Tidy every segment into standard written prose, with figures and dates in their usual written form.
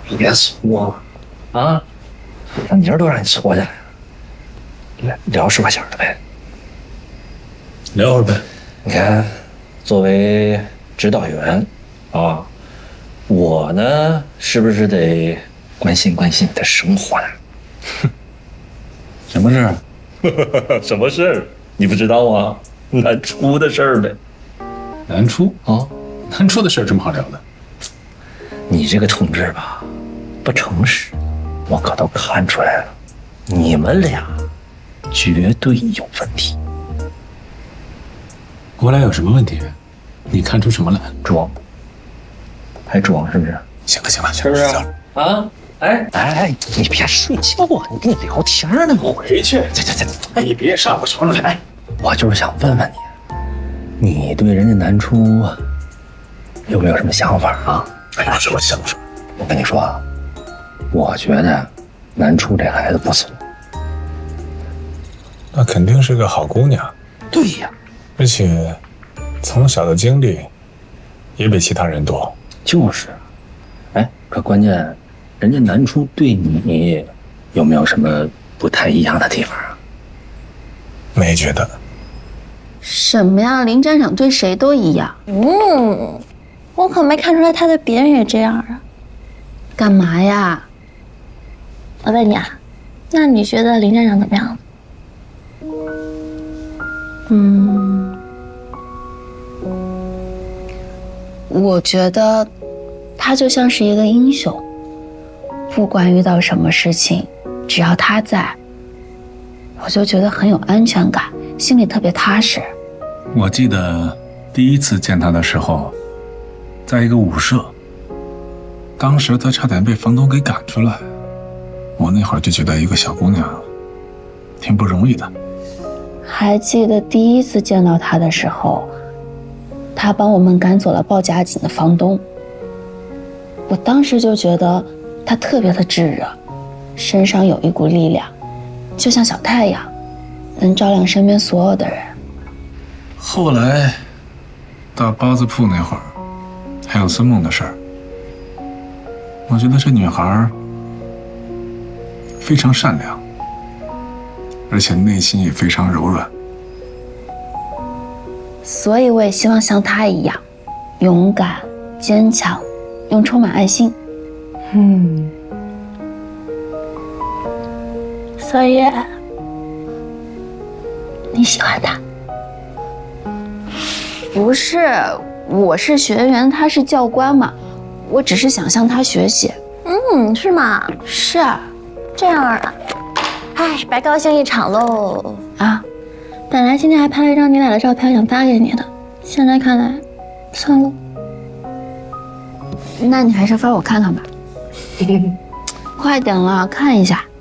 别说了啊，让妮儿都让你搓下来了，来聊实话小的呗。 聊会儿呗。 你看，作为指导员啊，我呢是不是得关心关心你的生活呢？ 什么事儿？ 什么事儿？你不知道啊？南初的事儿呗。 南初啊， 南初的事儿这么好聊的？ 你这个同志吧，不诚实，我可都看出来了，你们俩绝对有问题。 我俩有什么问题？你看出什么来？ 装，还装是不是？ 行了行了， 是不是？啊？哎，你别睡觉啊！你跟你聊天呢。 回去。 这， 你别上我床上来。 我就是想问问你，你对人家南初有没有什么想法啊？ 有什么想法？ 我跟你说啊，我觉得南初这孩子不错。 那肯定是个好姑娘。 对呀， 而且从小的经历也比其他人多。 就是，哎，可关键，人家南初对你有没有什么不太一样的地方啊？ 没觉得。 什么呀？林站长对谁都一样。 我可没看出来他对别人也这样啊。 干嘛呀？ 我问你啊，那你觉得林站长怎么样？ 我觉得他就像是一个英雄，不管遇到什么事情，只要他在，我就觉得很有安全感，心里特别踏实。 我记得第一次见他的时候，在一个舞社，当时他差点被房东给赶出来。我那会儿就觉得一个小姑娘挺不容易的。 还记得第一次见到他的时候，他帮我们赶走了报假警的房东。我当时就觉得他特别的炙热，身上有一股力量，就像小太阳，能照亮身边所有的人。 后来到包子铺那会儿，还有孙梦的事儿，我觉得这女孩非常善良，而且内心也非常柔软。 所以我也希望像他一样，勇敢、坚强，又充满爱心。 所以你喜欢他？ 不是，我是学员，他是教官嘛，我只是想向他学习。 是吗？ 是啊。 这样啊，哎，白高兴一场喽啊！ 本来今天还拍了一张你俩的照片，想发给你的，现在看来，算了。 那你还是发我看看吧。快点了，看一下。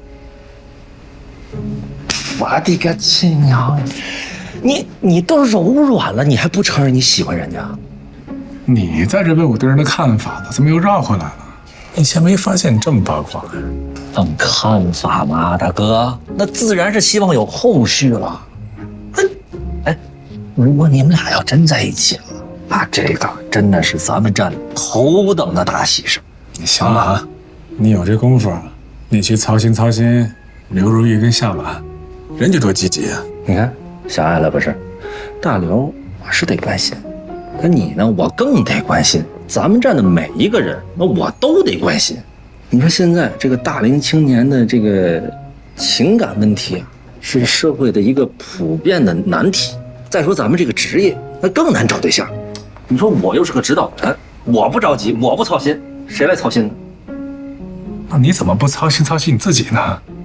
我的个亲娘！你都柔软了，你还不承认你喜欢人家？ 你在这问我对人的看法呢，怎么又绕回来了？ 以前没发现你这么八卦。 问看法嘛，大哥，那自然是希望有后续了。哎，如果你们俩要真在一起了，那这个真的是咱们站头等的大喜事。 你行了啊，你有这功夫，你去操心操心刘如意跟夏婉，人家多积极啊！ 你看，狭隘了不是？大刘我是得关心，可你呢，我更得关心。咱们站的每一个人，那我都得关心。你说现在这个大龄青年的这个情感问题啊，是社会的一个普遍的难题。再说咱们这个职业，那更难找对象。你说我又是个指导员，我不着急，我不操心，谁来操心呢？ 那你怎么不操心操心你自己呢？